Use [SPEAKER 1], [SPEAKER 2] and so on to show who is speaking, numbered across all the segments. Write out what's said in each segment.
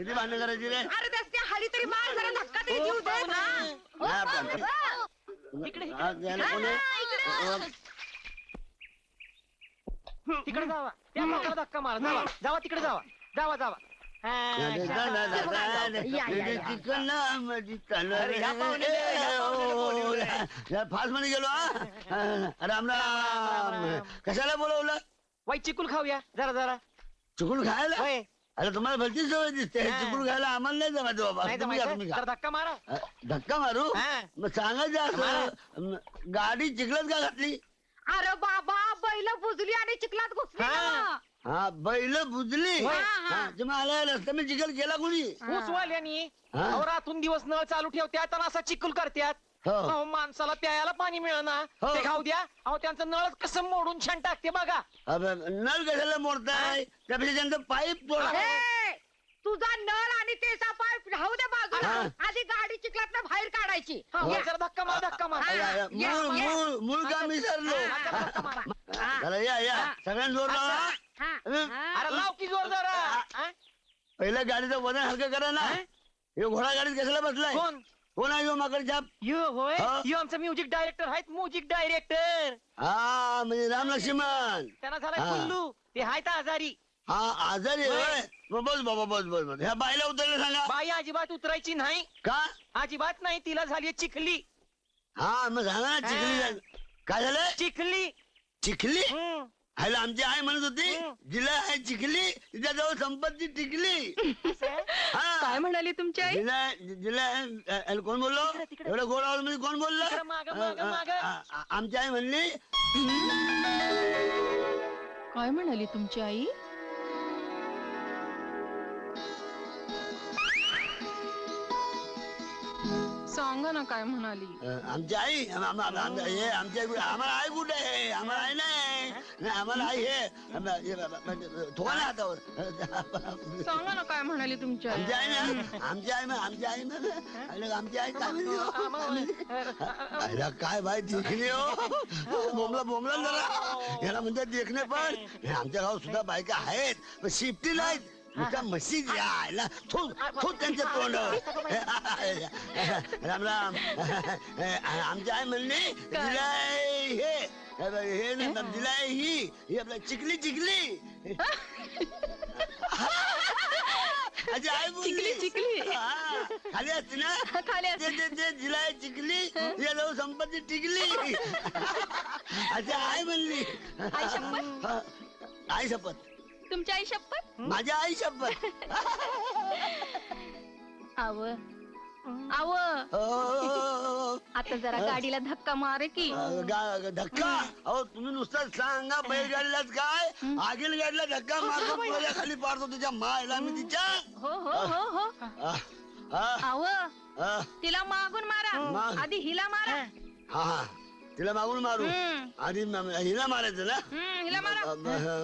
[SPEAKER 1] किती भांडण करायची रे?
[SPEAKER 2] अरे त्याची हाली तरी मार, जरा धक्का तरी देऊ दे ना.
[SPEAKER 3] तिकडे जावा, त्या माणसाला धक्का मारा. जावा जावा, तिकडे जावा, जावा जावा.
[SPEAKER 1] फास्ट मध्ये गेलो. राम राम. कशाला बोलवलं?
[SPEAKER 3] वाई चिकूल खाऊया जरा जरा.
[SPEAKER 1] चिकून खायला?
[SPEAKER 3] होय.
[SPEAKER 1] अरे तुम्हाला भलती सवय दिसते. चिकून खायला आम्हाला नाही जमायचं बाबा.
[SPEAKER 3] नाही
[SPEAKER 1] तुम्ही घ्या,
[SPEAKER 3] जमायचं?
[SPEAKER 1] तुम्ही घ्या.
[SPEAKER 3] जरा धक्का मारा.
[SPEAKER 1] धक्का मारू?
[SPEAKER 3] हा.
[SPEAKER 1] मग सांगायचं असं, गाडी चिखलात का घातली?
[SPEAKER 2] अरे बाबा, बैल बुजली आणि चिखलात घुसली ना.
[SPEAKER 1] हा, बैल बुजली.
[SPEAKER 3] होय.
[SPEAKER 1] मला रस्ता मी चिखल केला कोणी?
[SPEAKER 3] ऊसवाल्यांनी
[SPEAKER 1] हा?
[SPEAKER 3] रातून दिवस नळ चालू ठेवत्यात आणि असा चिकूल करत्यात.
[SPEAKER 1] हो.
[SPEAKER 3] अहो, माणसाला प्यायला पाणी मिळणार
[SPEAKER 1] हो.
[SPEAKER 3] ते खाऊ द्या. अहो, त्यांचं नळ कसं मोडून छान टाकते बघा.
[SPEAKER 1] अबे, नळ कशाला मोडताय? त्यापेक्षा त्यांचं पाईप तोडा.
[SPEAKER 2] ए, तुझा नळ आणि त्याचा पाईप राहू दे बाजूला.
[SPEAKER 1] हा.
[SPEAKER 2] आधी गाडी चिखलात बाहेर काढायची.
[SPEAKER 3] हो,
[SPEAKER 2] या.
[SPEAKER 3] जरा धक्का मार, धक्का मार.
[SPEAKER 2] हा.
[SPEAKER 1] मूळ काम विसरलो.
[SPEAKER 3] जरा धक्का मारा.
[SPEAKER 1] चला या सगळ्यांना जोर लावा.
[SPEAKER 2] हा.
[SPEAKER 3] अरे लाव की जोर जरा. हा?
[SPEAKER 1] पहिल्या गाडीचं वजन हलकं करा ना. हे घोडा गाडीत कशाला बसलाय?
[SPEAKER 3] कोण?
[SPEAKER 1] कोण आहे माकड छाप?
[SPEAKER 3] यो होय,
[SPEAKER 1] हा.
[SPEAKER 3] यो आमचा म्युझिक डायरेक्टर आहेत. म्युझिक डायरेक्टर
[SPEAKER 1] हा, म्हणजे राम लक्ष्मण.
[SPEAKER 3] त्यांना झालाय
[SPEAKER 1] हा.
[SPEAKER 3] कुल्लू. ते आहेत आजारी.
[SPEAKER 1] हा, आजारी
[SPEAKER 3] होय.
[SPEAKER 1] होय. मग बस बाबा, बस. ह्या बाईला उतरलं सांगा.
[SPEAKER 3] बाई अजिबात उतरायची नाही.
[SPEAKER 1] का?
[SPEAKER 3] अजिबात नाही. तिला झाली चिखली.
[SPEAKER 1] हा, मग सांगा ना. चिखली झाली. काय झालं?
[SPEAKER 3] चिखली.
[SPEAKER 1] चिखली?
[SPEAKER 3] हम्म.
[SPEAKER 1] ह्याला आमची आई म्हणत होती, जिला आहे चिखली तिच्याजवळ संपत्ती टिकली.
[SPEAKER 4] काय म्हणाली तुमची आई?
[SPEAKER 1] जिला कोण बोललो? एवढं गोड आवाज मध्ये कोण बोललं?
[SPEAKER 3] माग
[SPEAKER 1] आमची आई म्हणली.
[SPEAKER 4] काय म्हणाली तुमची आई? सांगा ना काय म्हणाली?
[SPEAKER 1] आमची आई आम्हाला आई कुठे आहे? आम्हाला आई नाही. आम्हाला आई हे थोडा ना हातावर.
[SPEAKER 4] सांगा ना काय म्हणाली तुमची आई?
[SPEAKER 1] आमची आई ना, आमची आई काय म्हणली? काय बाई देखणे हो. बोमला जरा याला म्हणतात देखणे. पण आमच्या गावात सुद्धा बायका आहेत, पण शिफ्टी नाहीत. नुसत्या मशीद यायला त्यांच्या तोंड. राम राम. आमच्या आई म्हणली दिलाय हे दिलाय ही आपल्या चिखली. अजी आई बोलली.
[SPEAKER 4] चिखली.
[SPEAKER 1] हा, खाली असते ना.
[SPEAKER 4] खाली असते.
[SPEAKER 1] ते दिलाय चिखली याला संपत्ती टिकली. अशी आई म्हणली.
[SPEAKER 4] आई शपथ?
[SPEAKER 1] आई शपथ.
[SPEAKER 4] तुमची आई शपथ?
[SPEAKER 1] माझ्या आई शपथ.
[SPEAKER 4] आव
[SPEAKER 1] हो.
[SPEAKER 4] आता जरा गाडीला धक्का मारे की.
[SPEAKER 1] धक्का? अहो तुम्ही नुसतं सांगा. बैलगाडीलाच काय आगील गाडीला धक्का मारतो. तुझ्या खाली पाडतो तुझ्या मायला मी तिच्या.
[SPEAKER 4] हो आव तिला मागून मारा. आधी हिला मारा.
[SPEAKER 1] हा, तिला मागून मारू. आधी हिला मारायचं ना.
[SPEAKER 4] हिला मारा.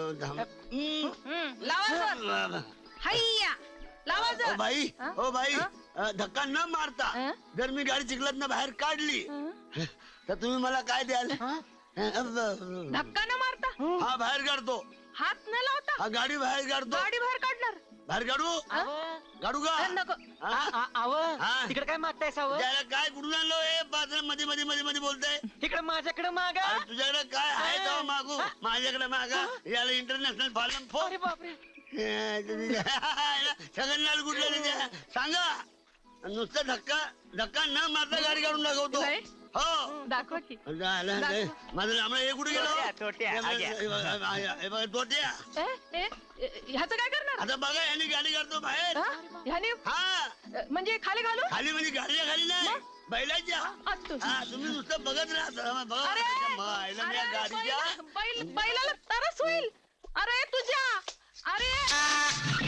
[SPEAKER 4] लावा जोर. हैया लावा जोर.
[SPEAKER 1] ओ बाई धक्का न मारता जर मी गाडी चिखलात ना बाहेर काढली तर तुम्ही मला काय द्याल?
[SPEAKER 4] धक्का न मारता?
[SPEAKER 1] हा, बाहेर काढतो.
[SPEAKER 4] हात न लावता?
[SPEAKER 1] हा, गाडी बाहेर काढतो.
[SPEAKER 4] गाडी बाहेर काढणार?
[SPEAKER 1] बाहेर काढू का?
[SPEAKER 4] नको.
[SPEAKER 3] तिकडे काय मागताय सावं?
[SPEAKER 1] त्याला काय कुठून आणलो? हे बाजार मध्ये बोलताय.
[SPEAKER 3] तिकडे माझ्याकडे मागा.
[SPEAKER 1] तुझ्याकडे काय आहे तेव्हा मागू. माझ्याकडे मागा. याला इंटरनॅशनल फार्म फोन.
[SPEAKER 3] अरे बापरे.
[SPEAKER 1] सगळ्यांना कुठल्या सांगा. नुसतं धक्का न मारता गाडी काढून दाखवतो. हो,
[SPEAKER 4] दाखवा की.
[SPEAKER 1] माझं लांबडं हे कुठे गेलो?
[SPEAKER 3] तोट्या
[SPEAKER 1] तोट्या.
[SPEAKER 4] ह्याचं काय करणार?
[SPEAKER 1] आता बघा याने गाडी काढतो बाहेर.
[SPEAKER 4] ह्याने
[SPEAKER 1] हा,
[SPEAKER 4] म्हणजे खाली घालू?
[SPEAKER 1] खाली म्हणजे गाडीच्या खाली नाही, बैलाच्या.
[SPEAKER 4] असतो.
[SPEAKER 1] हा, तुम्ही नुसतं बघत राहता. बघा गाडीच्या.
[SPEAKER 4] बैलाला तरस होईल. अरे तुझ्या. अरे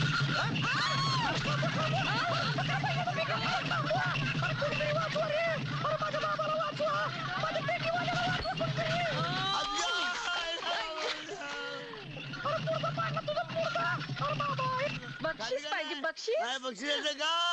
[SPEAKER 4] बक्षीस पाहिजे. बक्षीस?
[SPEAKER 1] काय बक्षीस का?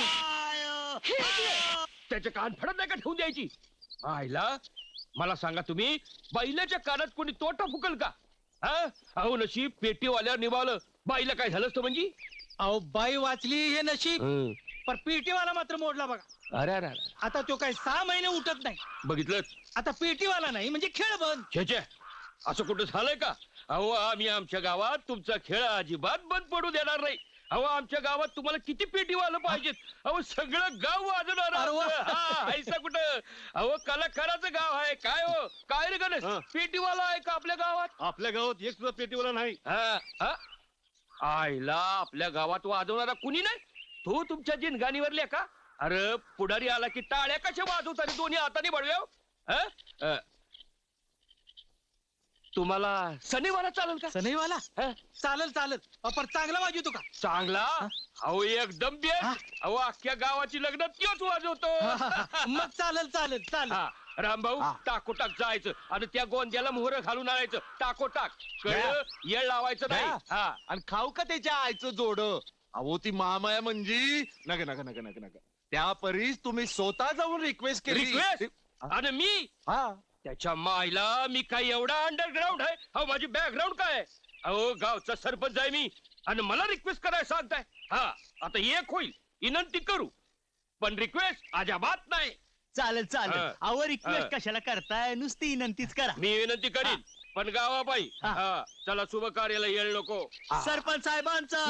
[SPEAKER 5] त्याच्या कान फडत नाही का ठेवून द्यायची? आईला मला सांगा तुम्ही, बैलाच्या कानात कोणी तोटा फुकल का? अहो नशीब पेटीवाल्यावर निभावलं. बाईला काय झालं असतं म्हणजे?
[SPEAKER 3] अहो बाई वाचली हे नशीब
[SPEAKER 5] हं.
[SPEAKER 3] पण पेटीवाला मात्र मोडला बघा.
[SPEAKER 5] अरे अरे अरे.
[SPEAKER 3] आता तो काय 6 महिने उठत नाही.
[SPEAKER 5] बघितलं
[SPEAKER 3] आता पेटीवाला नाही म्हणजे खेळ बंद.
[SPEAKER 5] छे असं कुठं झालंय का? अहो आम्ही आमच्या गावात तुमचा खेळ अजिबात बंद पडू देणार नाही. अहो आमच्या गावात तुम्हाला किती पेटीवालं पाहिजेत? अहो सगळं गाव वाजवणार
[SPEAKER 3] अरे वा.
[SPEAKER 5] आमचं. हा, ऐसा कुठं? अहो कलाकाराचं गाव आहे काय हो? काय रे गणेश, पेटीवाला आहे का आपल्या गावात?
[SPEAKER 6] आपल्या गावात एक सुद्धा पेटीवाला नाही.
[SPEAKER 5] हा, हा? आईला आपल्या गावात वाजवणारा कुणी नाही? तो तुमच्या जिनगाणीवरल्या का? अरे पुढारी आला की टाळ्या कशा वाजवतात दोन्ही हाताने बडव्याव? तुम्हाला सनीवाला चालेल का?
[SPEAKER 3] सनईवाला
[SPEAKER 5] हा?
[SPEAKER 3] चालल चालल. पण चांगला वाजवतो का?
[SPEAKER 5] चांगला? अहो एकदम बेस्ट.
[SPEAKER 3] हा?
[SPEAKER 5] अहो अख्ख्या गावाची लग्न त्योच वाजवतो.
[SPEAKER 3] मग चालल चालल चालल.
[SPEAKER 5] हा, रामभाऊ टाकोटाक जायचं आणि त्या गोंद्याला मोहर घालून आणायचं. टाकोटाक कळलं? येळ लावायचं नाही. हा.
[SPEAKER 6] आणि खाऊ का त्याच्या आईचं जोड? अहो ती महामाया म्हणजे नका नका नका नका नका. त्या परीस तुम्ही स्वतः जाऊन रिक्वेस्ट केली.
[SPEAKER 5] रिक्वेस्ट आणि मी
[SPEAKER 6] हा
[SPEAKER 5] त्याच्या मायला मी काय एवढा अंडरग्राऊंड आहे? अहो माझी बॅकग्राऊंड काय आहे? अहो गावचा सरपंच आहे मी आणि मला रिक्वेस्ट करायला सांगताय? हा आता एक होईल विनंती करू पण रिक्वेस्ट अजाबात नाही.
[SPEAKER 3] चालेल चालेल.
[SPEAKER 5] हा.
[SPEAKER 3] अहो
[SPEAKER 5] हा.
[SPEAKER 3] रिक्वेस्ट कशाला करताय? नुसती विनंतीच करा.
[SPEAKER 5] मी विनंती करीन पण गावाबाई हा चला शुभ कार्याला येळ नको.
[SPEAKER 3] सरपंच साहेबांचा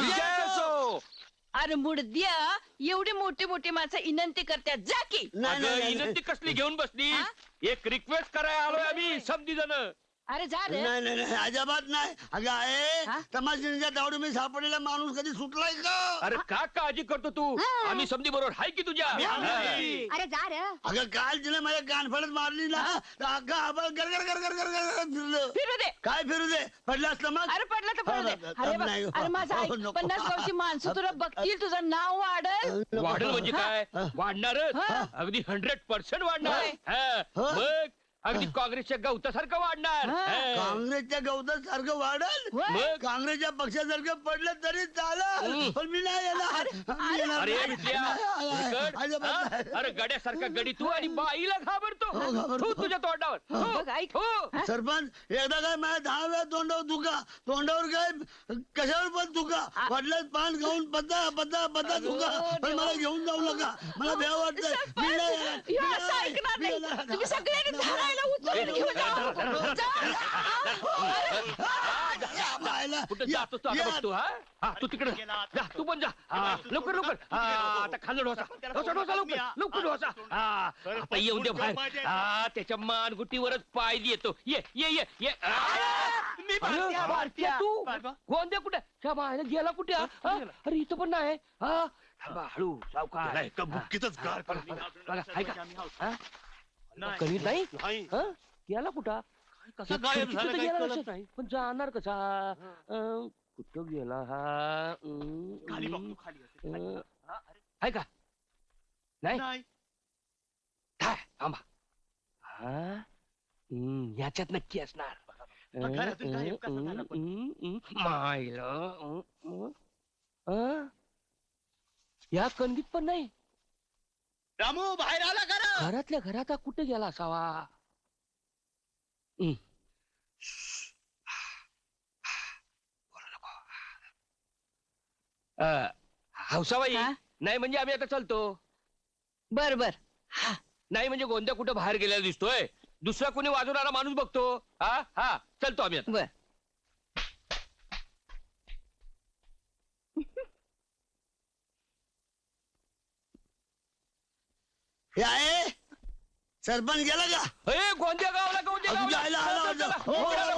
[SPEAKER 4] अरे मुडद्या एवढी मोठी मोठी माणसं विनंती करतात जा की.
[SPEAKER 1] नाही,
[SPEAKER 5] अगं,
[SPEAKER 1] नाही, नाही,
[SPEAKER 5] विनंती कसली घेऊन बसली?
[SPEAKER 4] हा?
[SPEAKER 5] एक रिक्वेस्ट करायला आलोय आम्ही समधी जण.
[SPEAKER 4] अरे जा रे.
[SPEAKER 1] नाही नाही नाही अजिबात नाही. अगं
[SPEAKER 4] हा?
[SPEAKER 1] आहे तमाशा दावडी मी सापडलेला माणूस कधी सुटलाय का?
[SPEAKER 5] अरे का काळजी करतो तू?
[SPEAKER 4] हा.
[SPEAKER 5] आम्ही समधी बरोबर हाय की तुझ्या?
[SPEAKER 2] अरे जा रे.
[SPEAKER 1] अगं काल तिने माझ्या कानफडत मारली ना तर अगं आबाळ गरगर गरगर गरगर फिरलं.
[SPEAKER 4] फिरू दे.
[SPEAKER 1] काय फिरू दे? पडलं असलं मग?
[SPEAKER 4] अरे पडलं तर पडू दे. अरे बा-
[SPEAKER 1] नाही.
[SPEAKER 4] अरे माझा ऐक.
[SPEAKER 1] नको.
[SPEAKER 4] 50 गावची माणसं तुला बघतील तुझं नाव वाढल.
[SPEAKER 5] वाढेल म्हणजे काय?
[SPEAKER 1] हा.
[SPEAKER 5] वाढणारच.
[SPEAKER 4] हा.
[SPEAKER 5] अगदी 100% वाढणार.
[SPEAKER 4] होय.
[SPEAKER 5] हा.
[SPEAKER 1] हा.
[SPEAKER 5] मग अगदी काँग्रेसच्या गवतासारखं वाढणार.
[SPEAKER 4] हा.
[SPEAKER 5] हा.
[SPEAKER 1] काँग्रेसच्या गवतात सारखं वाढल.
[SPEAKER 4] होय.
[SPEAKER 5] मग
[SPEAKER 1] काँग्रेसच्या पक्षासारखं पडलं तरी चालेल
[SPEAKER 5] हम्म.
[SPEAKER 1] पण मी नाही येणार. मी येणार
[SPEAKER 5] अरे
[SPEAKER 1] नाही.
[SPEAKER 5] विटल्या,
[SPEAKER 1] नाही,
[SPEAKER 5] विकट.
[SPEAKER 1] अजिबात
[SPEAKER 5] हा?
[SPEAKER 1] नाही.
[SPEAKER 5] अरे गड्यासारखा गडी तू आणि बाईला घाबरतो.
[SPEAKER 1] हो, घाबरतो.
[SPEAKER 5] तू तुझ्या तोंडावर. हो,
[SPEAKER 4] बघ, ऐक.
[SPEAKER 5] हो.
[SPEAKER 1] सरपंच एकदा काय माझ्या 10 वेळा तोंडावर तुका तोंडावर काय कशावर पण तुका पडलं पान खाऊन पत्ता पत्ता पत्ता तुका पण मला घेऊन जाऊ नका. मला भ्या वाटतंय. मी नाही येणार. मी
[SPEAKER 4] हे असं
[SPEAKER 1] नाही.
[SPEAKER 4] ऐकणार
[SPEAKER 1] मी
[SPEAKER 4] नाही.
[SPEAKER 1] येणार.
[SPEAKER 4] तुम्ही सगळ्यांनी धरायला उचलून घेऊन जा. जा.
[SPEAKER 1] या बायला.
[SPEAKER 5] कुठं
[SPEAKER 1] या,
[SPEAKER 5] जातोस तू आता
[SPEAKER 1] या.
[SPEAKER 5] बघतो? हा तू तिकडे जा तू पण जा. हा, लवकर लवकर. हा, आता खाल्लं ढोसा ढोसा ढोसा लवकर लवकर ढोसा. हा आता येऊन दे बाहेर. हा त्याच्या मानगुटीवरच पाय देतो. ये ये ये ये. अरे, भारतीय तू गोंद्या कुठे? त्या बाहेर गेला कुठे? हा? अरे इथं पण नाही. हा थांबा, हळू सावकार.
[SPEAKER 6] बुक्कीतच गार
[SPEAKER 5] बघा आहे का? हा? करीत नाही? हा? गेला कुठं?
[SPEAKER 6] कसा गायब
[SPEAKER 5] तिथं
[SPEAKER 6] झाला
[SPEAKER 5] तर
[SPEAKER 6] काही
[SPEAKER 5] गेला
[SPEAKER 6] कळत
[SPEAKER 5] नसेल.
[SPEAKER 6] नाही.
[SPEAKER 5] पण जाणार कसा? कुठं गेला हा? आहे का? नाही काय? थांबा. हा? याच्यात नक्की असणार.
[SPEAKER 6] घरातून गायब कसा झाला पण?
[SPEAKER 5] मायला या कणगीत पण नाही.
[SPEAKER 6] रामू बाहेर आला का?
[SPEAKER 5] घरातल्या घरात हा कुठे गेला असावा? हौसाबाई
[SPEAKER 4] हा?
[SPEAKER 5] नाही म्हणजे आम्ही आता चालतो.
[SPEAKER 4] बर बर.
[SPEAKER 5] नाही म्हणजे गोंद्या कुठं बाहेर गेलेला दिसतोय. दुसरा कोणी वाजवणारा माणूस बघतो. हा हा चलतो आम्ही आता.
[SPEAKER 4] बर.
[SPEAKER 1] हे आहे सरपंच गेला का?
[SPEAKER 5] ए, गोंद्या गावला गोंद्या
[SPEAKER 1] अजून
[SPEAKER 5] गावला.
[SPEAKER 1] जायला आला
[SPEAKER 5] चला,
[SPEAKER 1] होता.
[SPEAKER 5] चला,
[SPEAKER 1] हो,
[SPEAKER 5] चला.